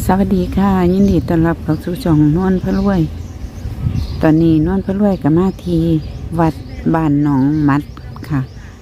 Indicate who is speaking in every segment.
Speaker 1: สวัสดีค่ะยินดีต้อนรับเข้าสู่ช่องนวลพระรวยตอนนี้นวลพระรวยกับมาที่วัดบ้านหนองมัดค่ะ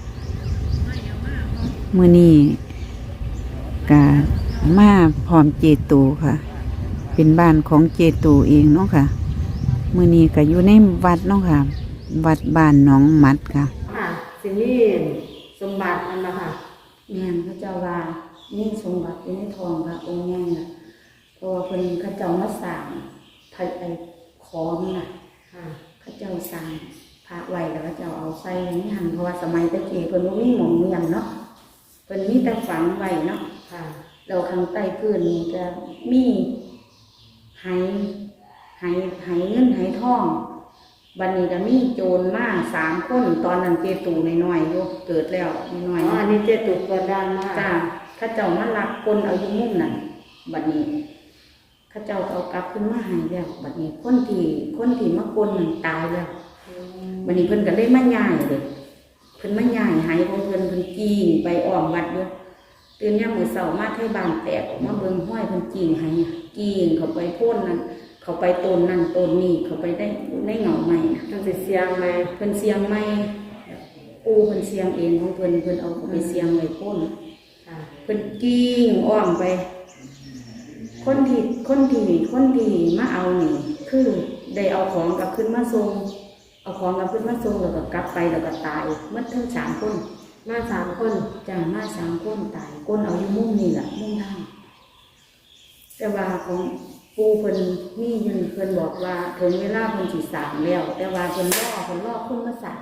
Speaker 1: มื้อนี้กะมาพร้อมเจตูค่ะเป็นบ้านของเจตูเองเนาะค่ะมื้อนี้ก็อยู่ในวัดเนาะค่ะวัดบ้านหนองมัดค่ะ
Speaker 2: ค่ะสิมีสมบัติมันนะคะ
Speaker 3: แม่นพระเจ้าว่านี่สมบัติอยู่ในทองค่ะองค์ใหญ่น่ะเพราะว่าเพิ่นเขาเจ้ามาสร้างไอ้ของน่ะ
Speaker 2: ค่ะ
Speaker 3: เขาเจ้าสร้างพระไว้แล้วเขาเจ้าเอาใส่ในหันเพราะว่าสมัยตะกี้เพิ่นบ่มีหม้องเมียนเนาะเพิ่นมีแต่ฝังไว้เนาะ
Speaker 2: ค่ะ
Speaker 3: แล้วข้างใต้พื้นนี่จะมีไหไหเงินไหทองบัดนี้ก็มีโจรมา3คนตอนนั้นเจตูน้อยๆอยู่เกิดแล้วน้อยๆ
Speaker 2: อันนี้เจตุตัวดังมาก
Speaker 3: จ้าข้าเจ้ามาลักคนเอาอยู่มุมนั่นบัดนี้ข้าเจ้าเอากลับขึ้นมาให้แล้วบัดนี้คนที่มาคนนั่นตายแล้วบัดนี้เพิ่นก็เลยมาย้ายเลยเพิ่นมาย้ายให้ของเพิ่นจีงไปอ้อมวัดอยู่ตื่นยามมื้อเช้ามาไทบ้านแตกออกมาเบิ่งห้อยเพิ่นจีงให้จีงเข้าไปโพ่นนั่นเข้าไปต้นนั่นต้นนี้เข้าไปได้ในเงาใหม่น่ะ
Speaker 2: มันสิเสียงไหม
Speaker 3: เพิ่นเสียงใหม่เพิ่นเสียงเองของเพิ่นเอาไปเสียงไว้โพ่น
Speaker 2: ค่ะ
Speaker 3: เป็นกิ้งอ้อมไปคนที่มาเอานี่คือได้เอาของกลับขึ้นมาส่งแล้วก็กลับไปแล้วก็ตายเมื่อทั้ง3 คน
Speaker 2: มา3 คน
Speaker 3: จ้ามา3 คนตายคนเอาอยู่มุมนี่แหละมุมทางแต่ว่าของปูเพิ่นมีอยู่เพิ่นบอกว่าถึงเวลาเพิ่นสิสร้างแล้วแต่ว่าเพิ่นรอคนมาสร้าง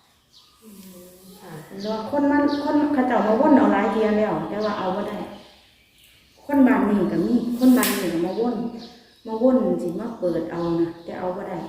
Speaker 3: รอคนเขาเจ้ามาวนเอาหลายเทียแล้วแต่ว่าเอาบ่ได้คนบ้านนี้ก็มีคนบ้านนี้ก็มาวนสิมาเปิดเอานะแต่เอาบ่ได้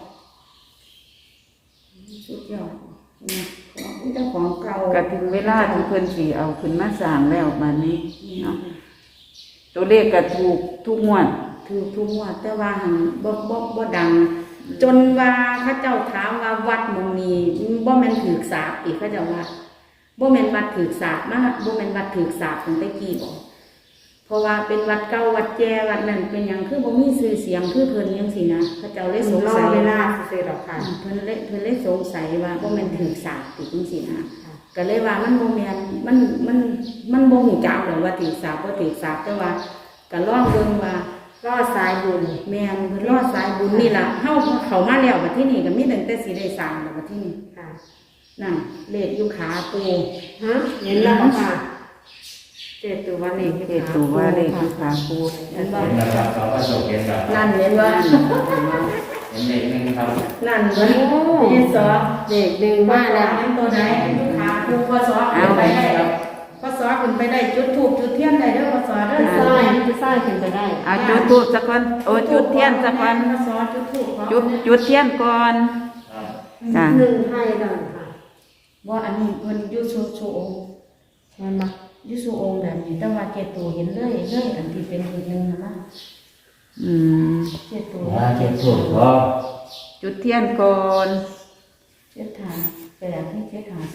Speaker 3: สุดยอดนะของเจ้าของเก่า
Speaker 1: ก็ถึงเวลาที่เพิ่นสิเอาขึ้นมาสร้างแล้วบัดนี้เนาะตัวเลขก็ถูกทุกงวด
Speaker 3: ถูกทุกงวดแต่ว่าหันบ่ดังจนว่าเขาเจ้าถามว่าวัดหมู่นี้บ่แม่นถูกสาปอีกเขาเจ้าว่าบ่แม่นวัดถูกสาปมาบ่แม่นวัดถูกสาปตั้งแต่กี้บ่เพราะว่าเป็นวัดเก่าวัดแก่วัดนั้นเป็นหยังคือบ่มีชื่อเสียงคือเพิ่นจังซี่นะเขาเจ้าเลยสงสัย
Speaker 2: เวลาซื่อๆดอกค่ะ
Speaker 3: เพิ่นเลยสงสัยว่าบ่แม่นถูกสาปอีกจังซี่นะก็เลยว่ามันบ่แม่นมันบ่ฮู้จักดอกว่าถูกสาปบ่ถูกสาปแต่ว่าก็ลองเบิ่งว่ารอดสายบุญแม่นเพิ่นรอดสายบุญนี่ล่ะเฮาเข้ามาแล้วบัดที่นี่ก็มีตั้งแต่สิได้สร้างแล้วบัดที่นี่
Speaker 2: ค่ะ
Speaker 3: นั่นเลขอยู่ขาปู
Speaker 2: ฮะเห็นแล้วค่ะเจตุว่าเลขอยู่
Speaker 1: ขาปู
Speaker 3: เห็นบ่
Speaker 4: เห็นแล้วครับเราก็จบเห็นแล้ว
Speaker 3: นั่นเห็นบ่
Speaker 4: เห็นเลขหนึ่งครับ
Speaker 3: นั่นเบิ่งเฮ็ดสอ
Speaker 2: เลข1มาแล้ว
Speaker 3: เห็นตัวใดอยู่ขาปูพศขึ้นไปได้พศขึ้นไปได้จุดธูปจุดเทียนได้เด้อพศเด้อ
Speaker 2: ซ้ายขึ้นไปได้
Speaker 1: เอาจุดธูปสักวันจุดเทียนสักวัน
Speaker 3: พศจุดธูป
Speaker 1: จุดเทียนก่อนจ้ะ
Speaker 2: 1ให้ดอกค่ะ
Speaker 3: ว่าอันนี้เพิ่นอยู่โชองค์
Speaker 2: ใช่มั้ย
Speaker 3: อยู่โชองค์แบบนี้แต่ว่าเจตูเห็นเลยอันที่เป็นอีกนึงนะเจตู
Speaker 4: ว่าเจ็บถูกก็
Speaker 1: จุดเทียนก่อน
Speaker 3: เจ็ดฐาน8ให้7ฐาน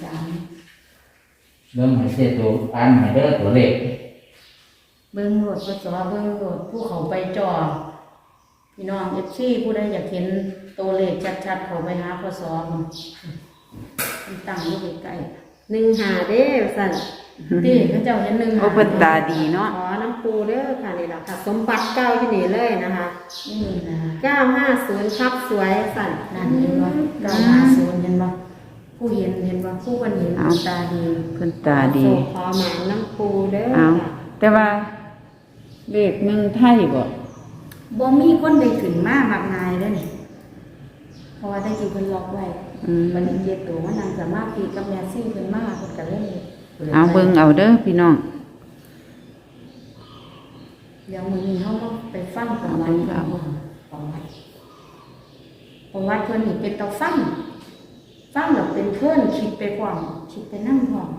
Speaker 3: 3
Speaker 4: เริ่มให้เจ็บถูกอันให้เด้อตัวเลข
Speaker 3: เบิ่งโหลดพศเบิ่งโหลดผู้เขาไปจอพี่น้อง FC ผู้ใดอยากเห็นตัวเลขชัดๆเข้าไปหาพศมันตั้งอยู่ใกล้
Speaker 2: 1หาเด้อสั่น
Speaker 3: ที่เขาเจ้าเห็น1
Speaker 1: โอ้เพิ่นตาดีเนาะ
Speaker 2: ขอน้ำปูเด้อค่ะนี่ล่ะค่ะสมบัติเก่าที่นี่เลยนะคะ
Speaker 3: นี่นะ
Speaker 2: 950ครับสวยสั่น
Speaker 3: นั่นเห็นบ่950เห็นบ่ผู้เห็นบ่ผู้วันเห็นตาดี
Speaker 1: เพิ่นตาดี
Speaker 2: ขอหมายน้ำปูเด้อค่ะ
Speaker 1: แต่ว่าเลข1ไทย
Speaker 3: บ่มีคนได้ขึ้นมามากมายเด้อนี่เพราะว่าได้กี่เพิ่นล็อกไว้วันนี้เจ็ดตัวมันนั่งสามารถตีกับแม่ซี่เพิ่นมาเพิ่นก็เลย
Speaker 1: เอาเบิ่งเอาเด้อพี่น้อง
Speaker 3: เดี๋ยวมื้อนี้เฮาก็ไปฟังประวัติเพิ่นนี่เป็นตาฟังแล้วเป็นเพิ่นคิดไปพร้อมคิดไปนำพร้อม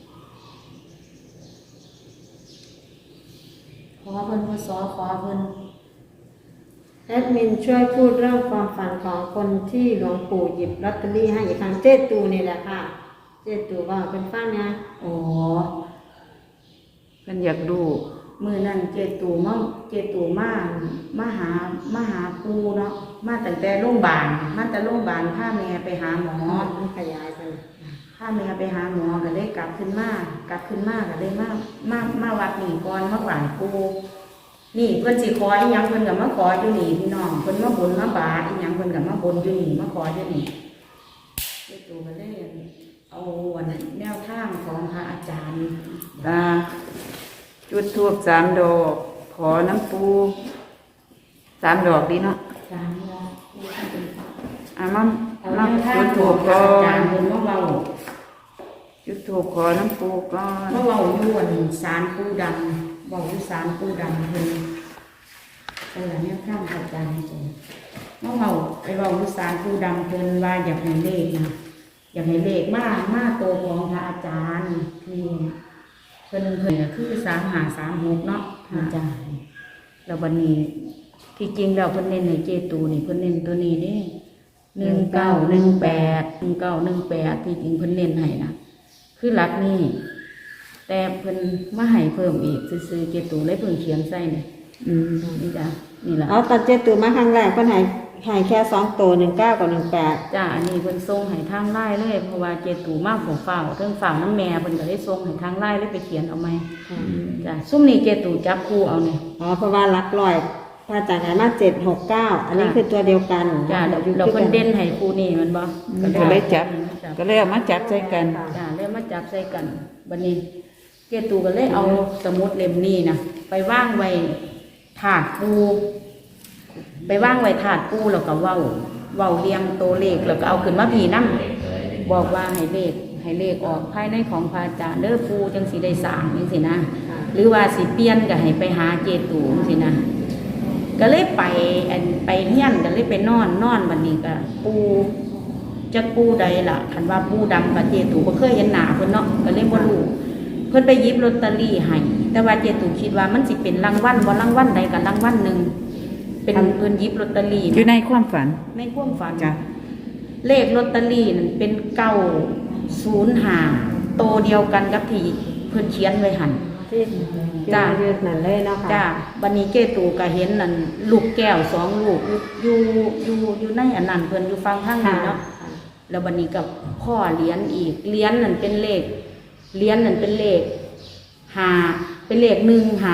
Speaker 3: ขอเพิ่นพศขอเพิ่น
Speaker 2: แอดมินช่วยพูดเรื่องความฝันของคนที่หลวงปู่หยิบลอตเตอรี่ให้อีกครั้งเจตูนี่แหละค่ะเจตูว่าเป็นฟังนะ
Speaker 3: อ๋อ
Speaker 1: เพิ่นอยากดู
Speaker 3: มือนั่นเจตูมาหาปูเนาะมาตั้งแต่โรงพยาบาลมาแต่โรงพยาบาลพาแม่ไปหาหมอ
Speaker 2: มันขยายไป
Speaker 3: พาแม่ไปหาหมอก็ได้กลับขึ้นมาก็ได้มาวัดนี่ก่อนมาไหว้ปูนี่เพิ่นสิขออีหยังเพิ่นก็มาขออยู่นี่พี่น้องเพิ่นมาบนมาบาทอีหยังเพิ่นก็มาบนอยู่นี่มาขออยู่นี่เจตูก็เลยเอาวันแนวทางของพระอาจารย์
Speaker 1: จุดทูบ3 ดอก ขอน้ำปู3 ดอกดีเนาะ
Speaker 3: สามดอก
Speaker 1: มา
Speaker 3: เอาแนวทาง
Speaker 1: จุด
Speaker 3: ข
Speaker 1: ทู
Speaker 3: อง
Speaker 1: บ
Speaker 3: พระ
Speaker 1: ก่อ
Speaker 3: อาจาร
Speaker 1: น
Speaker 3: ย์เพิ่นมาเว้า
Speaker 1: จุดทูบขอน้ำปูก่อน
Speaker 3: เมื่อเว้าอยู่อันศาลปู่ดำเว้าอยู่ศาลปู่ดำเพิ่นเออเนี่ยข้ามพระอาจารย์จังเมื่อเว้าไปเว้าอยู่ศาลปู่ดำเพิ่นว่าอยากให้เลขนะอยากให้เลขมาโตของพระอาจารย์ที่เพิ่นก็คือ3536เนาะพระอาจารย์แล้ววันนี้ที่จริงแล้วเพิ่นเน้นให้เจตูนี่เพิ่นเน้นตัวนี้เด้1918ที่จริงเพิ่นเน้นให้นะคือหลักนี่แต่เพิ่นมาให้เพิ่มอีกซื่อๆเจตูเลยเพิ่นเขียนใส่นี่นี่จ้ะนี่ล่ะ
Speaker 2: เอาตอนเจตูมาครั้งแรกเพิ่นให้แค่2ตัว19กับ18
Speaker 3: จ้ะอันนี้เพิ่นส่งให้ทางไลน์เลยเพราะว่าเจตูมาของฝ่าวเทิงฝ่าวน้ำแม่เพิ่นก็ได้ส่งให้ทางไลน์เลยไปเขียนเอาไหมจ้ะซุ่มนี้เจตูจับคู่เอานี่
Speaker 2: อ๋อเพราะว่าหลักร้อยพระอาจารย์ให้มา769อันนี้คือตัวเดียวกัน
Speaker 3: จ้ะเราเพิ่นเด่นให้คู่นี่มันบ่
Speaker 1: ก็เลยจับ ก็เลยเอามาจับใส่กัน
Speaker 3: จ้ะเลยมาจับใส่กันบัดนี้เจตูก็เลยเอาสมุดเล่มนี้นะไปวางไว้ถาดปูไปวางไว้ถาดปูแล้วก็เว้าเรียงตัวเลขแล้วก็เอาขึ้นมาพี่นำบอกว่าให้เลขออกภายในของพระอาจารย์เด้อปูจังสิได้สร้างจังซี่นะหรือว่าสิเปลี่ยนก็ให้ไปหาเจตูจังซี่นะก็เลยไปเฮียนก็เลยไปนอนบัดนี้ก็ปูจักปูใดล่ะคันว่าปูดำกับเจตูบ่เคยเห็นหน้าเพิ่นเนาะก็เลยบ่รู้เพิ่นไปหยิบลอตเตอรี่ให้แต่ว่าเจตูคิดว่ามันสิเป็นรางวัลบ่รางวัลใดก็รางวัลหนึงเป็นเพิ่นหยิบลอตเตอรี่
Speaker 1: อยู่ในความฝัน
Speaker 3: ในความฝัน
Speaker 1: จ้ะ
Speaker 3: เลขลอตเตอรี่นั่นเป็น905โตเดียวกันกับที่เพิ่นเขียนไว้หั่น
Speaker 2: ที่จ้ายืดนั่นเลยเนาะค่ะ
Speaker 3: จ้าบัดนี้เจตูก็เห็นนั่นลูกแก้ว2ลูกอยู่ในอันนั้นเพิ่นอยู่ฟังทางนี้เนาะแล้วบัดนี้ก็พ่อเหรียญอีกเหรียญนั่นเป็นเลขเหรียญนั่นเป็นเลข5เป็นเลข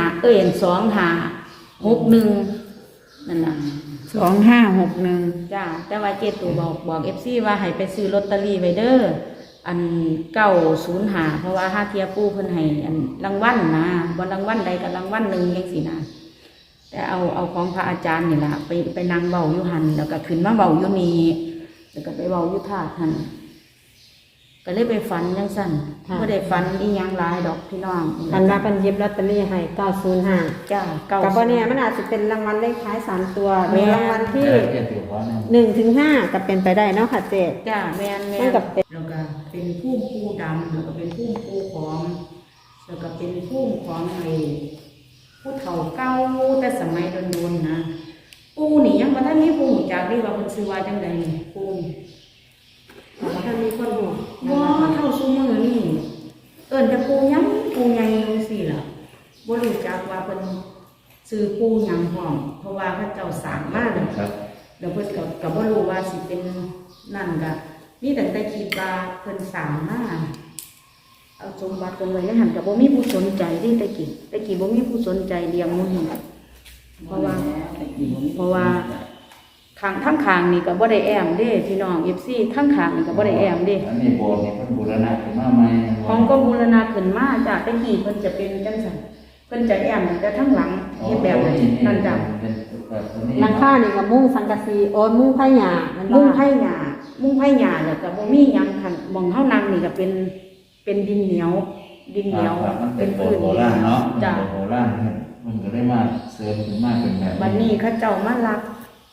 Speaker 3: 2561นั่นน่ะ
Speaker 1: 2561
Speaker 3: จ้าแต่ว่าเจตูบอก FC ว่าให้ไปซื้อลอตเตอรี่ไว้เด้ออัน905เพราะว่าห้าเทียปูเพิ่นให้อันรางวัลนะบ่รางวัลใดก็รางวัลหนึงจังซี่นะแต่เอาของพระอาจารย์นี่ล่ะไปนั่งเว้าอยู่หั่นแล้วก็ขึ้นมาเว้าอยู่นี่แล้วก็ไปเว้าอยู่ท่าหั่นก็เลยไปฝันจังซั่นบ่ได้ฝันอีหยังหลายดอกพี่น้อง
Speaker 2: คันว่าเพิ่นหยิบลอตเตอรี่ให้905
Speaker 3: จ้า
Speaker 2: กับบ่เนี่ยมันอาจจะเป็นรางวัลเลขท้าย3ตัวหรือรางวัลที่
Speaker 4: เจ็ดตัวขอหนึ่ง
Speaker 2: 1ถึง5ก็เป็นไปได้เนาะค่ะเจ๊
Speaker 3: จ้าแม่น
Speaker 2: มันก็เป็น
Speaker 3: แล้วก็เป็นภูมิปูดำแล้วก็เป็นภูมิปูของแล้วก็เป็นภูมิของไอ้ผู้เฒ่าเก่าแต่สมัยโดนๆนะปูนี่ยังบ่ทันมีผู้รู้จักนี่ว่าเพิ่นชื่อว่าจังไดนี่ปูนี่
Speaker 2: ถ้ามีคนหู
Speaker 3: บ่เท่าซุมื้อนี่เอิ้นแต่ปูหยังปูใหญ่จังซี่ล่ะบ่รู้จักว่าเพิ่นชื่อปูหยังพร้อมเพราะว่าพระเจ้าสร้างมาแล้ว
Speaker 4: ครับ
Speaker 3: แล้วเพิ่นก็บ่รู้ว่าสิเป็นนั่นก็มีแต่คิดว่าเพิ่นสร้างมาเอาสมบัติเพิ่นไว้ในหันก็บ่มีผู้สนใจเด้ตะกี้บ่มีผู้สนใจเลี้ยงหมู่นี่เพราะว่าทั้งข้างนี่ก็บ่ได้แอมเด้พี่น้อง FC ทั้งข้างนี่ก็บ่ได้แอมเด้
Speaker 4: อันนี้โบสถ์นี่เพิ่นบูรณะขึ้นมาใหม่
Speaker 3: ของก็บูรณะขึ้นมาจากตะกี้เพิ่นจะเป็นจังซั่นเพิ่นจะแอมแต่ทั้งหลังเฮ็ดแบบนั้นจ้ะ
Speaker 4: เป็นแบบนี้
Speaker 2: หลังคานี่ก็มุ้งสังกะสีโอ้ยมุ้งไผ่หญ้ามัน
Speaker 3: มุ้งไผ่หญ้าแล้วก็บ่มีหยังคันหม่องเฮานั่งนี่ก็เป็นดินเหนียว
Speaker 4: ครับมันเป็
Speaker 3: เป็น น
Speaker 4: โบส
Speaker 3: พื้น
Speaker 4: ถ์โบราณเนาะ
Speaker 3: จ้ะ
Speaker 4: โบสถ์โบราณมันก็ได้มาเสริมขึ้นมาเป็นแบบ
Speaker 3: บัดนี้เขาเจ้ามาลัก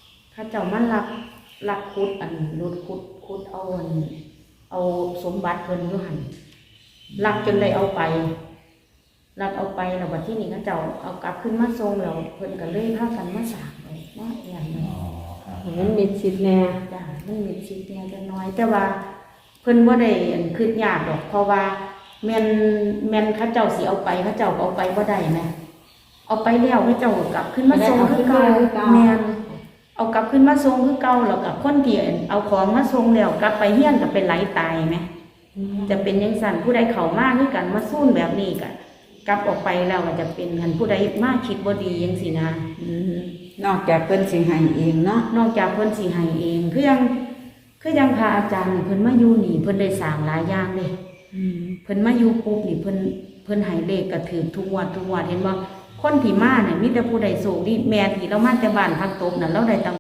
Speaker 3: ขุดอันรถขุดเอาสมบัติเพิ่นอยู่หั่นลักจนได้เอาไปแล้วบัดที่นี้เขาเจ้าเอากลับขึ้นมาทรงแล้วเพิ่นก็เลยพากันมาสร้างไว้มาแอนไว้
Speaker 4: อ๋อครับ
Speaker 2: มันมีชิดแน่
Speaker 3: จ้ะมันมีชีวิตแหน่จักหน้อย แต่ว่าเพิ่นบ่ได้อันคิดยากดอกเพราะว่าแม่นเขาเจ้าสิเอาไปเขาเจ้าก็เอาไปบ่ได้แม่เอาไปแล้วพระเจ้าก็กลับขึ้นมาทรงคือเก่าแม่นเอากลับขึ้นมาทรงคือเก่าแล้วกับคนที่เอาของมาทรงแล้วกลับไปเฮียนก็เป็นไหลตายไหมจะเป็นยังสั่นผู้ใดเข้ามาคือกันมาสู้แบบนี้ก็กลับออกไปแล้วก็จะเป็นกันผู้ใดมาคิดบ่ดีจังซี่นะ
Speaker 1: นอกจากเพิ่นสิให้เองเนาะ
Speaker 3: นอกจากเพิ่นสิให้เองคือยังพระอาจารย์นี่เพิ่นมาอยู่นี่เพิ่นได้สร้างหลายอย่างเด้เพิ่นมาอยู่ปุ๊บนี่เพิ่นให้เลขก็ถือทุกงวดเห็นบ่คนที่มาเนี่ยมีแต่ผู้ใดโชคดีแม่ที่เรามาแต่บ้านพักตบนั่นเราได้ตั้ง